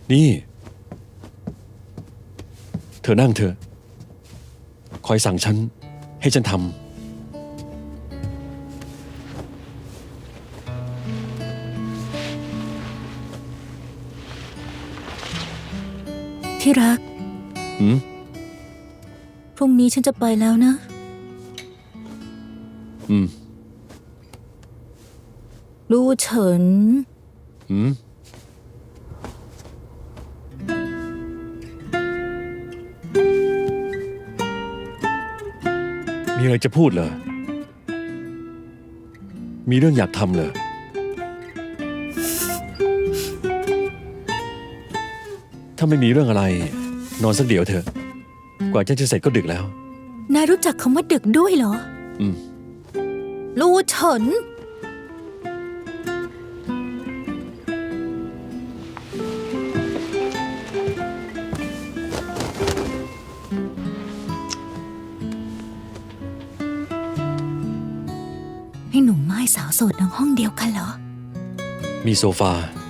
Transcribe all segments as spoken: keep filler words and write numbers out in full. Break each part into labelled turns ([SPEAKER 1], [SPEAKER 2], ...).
[SPEAKER 1] นี่เธอนั่งเถอะคอยสั่งฉันให้ฉันทำ
[SPEAKER 2] ที่รัก
[SPEAKER 1] หืม
[SPEAKER 2] พรุ่งนี้ฉันจะไปแล้วนะ
[SPEAKER 1] อืม
[SPEAKER 2] ลู่เฉิน
[SPEAKER 1] หืม มีอะไรจะพูดเหรอ มีเรื่องอยากทำเหรอ ถ้าไม่มีเรื่องอะไร นอนสักเดี๋ยวเถอะ กว่าจะจะเสร็จก็ดึกแล้ว
[SPEAKER 2] นายรู้จักคำว่าดึกด้วยเหรอ
[SPEAKER 1] อืม
[SPEAKER 2] ลู่เฉิน ให้หนุ่มไม้สาวโสดนอนห้องเดียวกันเหรอ
[SPEAKER 1] มีโซฟา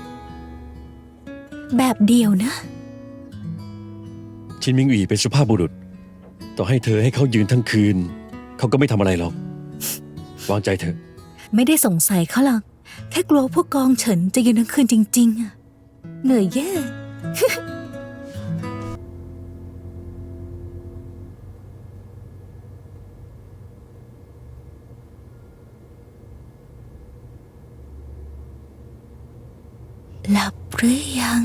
[SPEAKER 2] แบบเดียวนะ
[SPEAKER 1] ชินมิงอีเป็นสุภาพบุรุษ ต่อให้เธอให้เขายืนทั้งคืน เขาก็ไม่ทำอะไรหรอก วางใจเถอะ
[SPEAKER 2] ไม่ได้สงสัยเขาหรอก แค่กลัวพวกกองเฉินจะยืนทั้งคืนจริงๆอะเหนื่อยแย่ หลับหรือยัง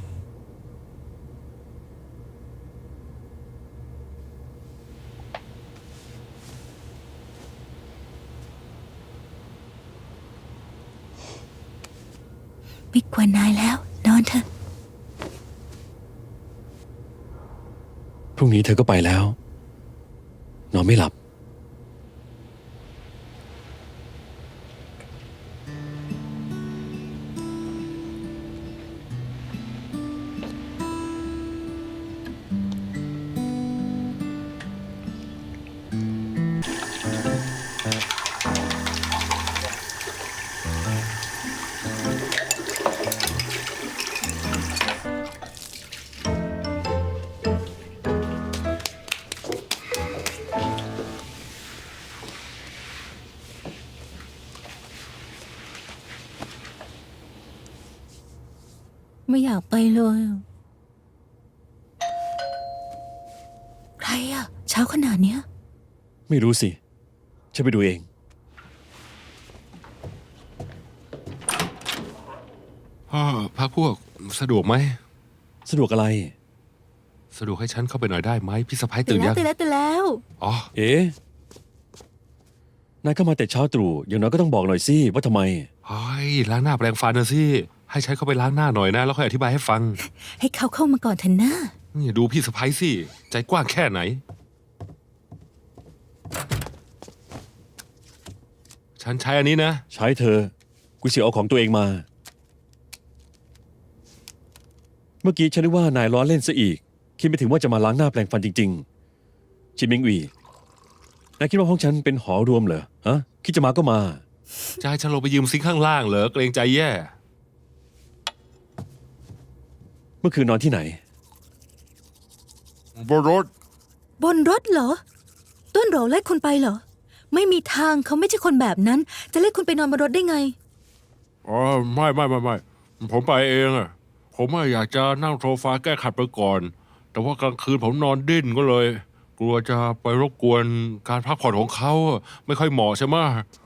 [SPEAKER 2] ไม่กวนนายแล้ว นอนเถอะ
[SPEAKER 1] พรุ่งนี้เธอก็ไปแล้ว นอนไม่หลับ
[SPEAKER 2] ไม่อยากไปเลยอะใครอะเช้าขนาดเนี้ย
[SPEAKER 1] ไม่รู้สิ ฉันไปดูเอง
[SPEAKER 3] พ่อพักพวกสะดวกไหม
[SPEAKER 1] สะดวกอะไร
[SPEAKER 3] สะดวกให้ฉันเข้าไปหน่อยได้ไหมพี่สะพ้าย
[SPEAKER 2] ตื่
[SPEAKER 3] ตื่
[SPEAKER 2] น
[SPEAKER 3] น
[SPEAKER 2] แล้
[SPEAKER 3] ยั
[SPEAKER 2] ว
[SPEAKER 3] ง
[SPEAKER 2] ตื่นแล้วตื่นแล้ว
[SPEAKER 3] อ๋อ
[SPEAKER 1] เอ๊ะ นายเข้ามาแต่เช้าตรู่ อย่างน้อยก็ต้องบอกหน่อยสิ ว่าทำไม
[SPEAKER 3] เฮ้ยล้างหน้าแปรงฟันนะสิให้ฉันเข้าไปล้างหน้าหน่อยนะ แล้วค่อยอธิบายให้ฟัง
[SPEAKER 2] ให้เขาเข้ามาก่อนเถอะนะ
[SPEAKER 3] นี่ดูพี่สะพ้ายสิใจกว้างแค่ไหน ฉันใช้อันนี้นะ
[SPEAKER 1] ใช้เธอ กูเสียเอาของตัวเองมา เมื่อกี้ฉันนึกว่านายล้อเล่นซะอีก คิดไม่ถึงว่าจะมาล้างหน้าแปลงฟันจริงๆ ชินมิงอีนายคิดว่าห้องฉันเป็นหอรวมเหรอ ฮะ คิดจะมาก็มา
[SPEAKER 3] จะให้ฉันลงไปยืมซิงค์ข้างล่างเหรอเกรงใจแย่
[SPEAKER 1] เมื่อคืนนอนที่ไหน
[SPEAKER 3] บนรถ
[SPEAKER 2] บนรถเหรอ ต้นโหรไล่คุณไปเหรอ ไม่มีทางเขาไม่ใช่คนแบบนั้น จะเล่คุณไปนอนบนรถได้ไง
[SPEAKER 3] อ๋อไม่ไม่ไม่ไม่ผมไปเองอะผมอะอยากจะนั่งโซฟาแก้ขัดไปก่อน แต่ว่ากลางคืนผมนอนดิ้นก็เลย กลัวจะไปรบกวนการพักผ่อนของเขาอะไม่ค่อยเหมาะใช่ไหม